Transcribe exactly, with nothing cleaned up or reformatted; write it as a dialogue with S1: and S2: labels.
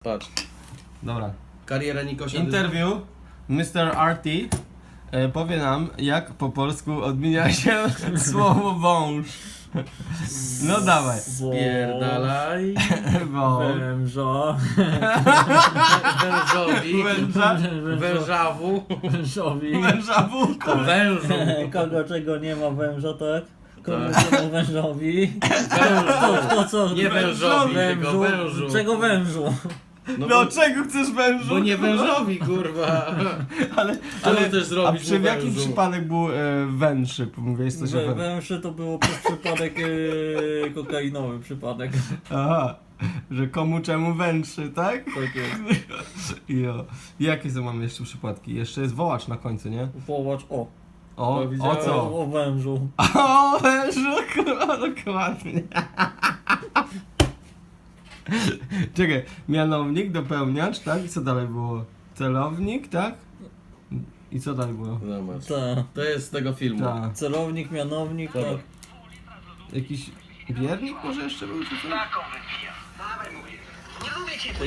S1: Patrz.
S2: Dobra.
S1: Kariera Nikosia.
S2: Interview. mister R T e, powie nam, jak po polsku odmienia się słowo wąż. No dawaj.
S1: Spierdalaj.
S2: Wąż.
S3: Wężo.
S1: Wężowi.
S2: Węża.
S1: Wężawu.
S3: Wężowi.
S2: Węża wółka.
S1: Wężu.
S3: Kogo czego nie ma węża, tak? Kogo
S1: Tak.
S3: nie ma wężowi. To, to co?
S1: Nie wężowi, tylko
S3: Wężu.
S1: wężu.
S3: Czego wężu?
S1: No,
S2: No
S1: bo,
S2: czego chcesz wężu?
S1: bo nie wężowi, kurwa.
S2: Ale,
S1: Ale
S2: ale
S1: też zrobić
S2: a przy
S1: mu
S2: jaki
S1: wężu?
S2: przypadek był e, węższy? Mówiłeś coś o
S3: Wę,
S2: wężu.
S3: węży to było przez przypadek e, kokainowy przypadek.
S2: Aha, że komu czemu węższy, tak?
S3: Tak jest.
S2: Jo. Jakie są mamy jeszcze przypadki? Jeszcze jest wołacz na końcu, nie?
S3: Połacz o.
S2: O,
S1: No,
S2: o
S1: widziałem.
S2: co?
S3: O, o wężu.
S2: O, wężu, kurwa, dokładnie. Czekaj, mianownik, dopełniacz, tak? I co dalej było? Celownik, tak? I co dalej było?
S1: Zobacz.
S3: Tak.
S1: To jest z tego filmu.
S2: Tak.
S3: Celownik, mianownik, tak.
S2: Jakiś wiernik może jeszcze był, czy co?
S4: Taką wypija. Dawaj mówię. Nie lubię cię.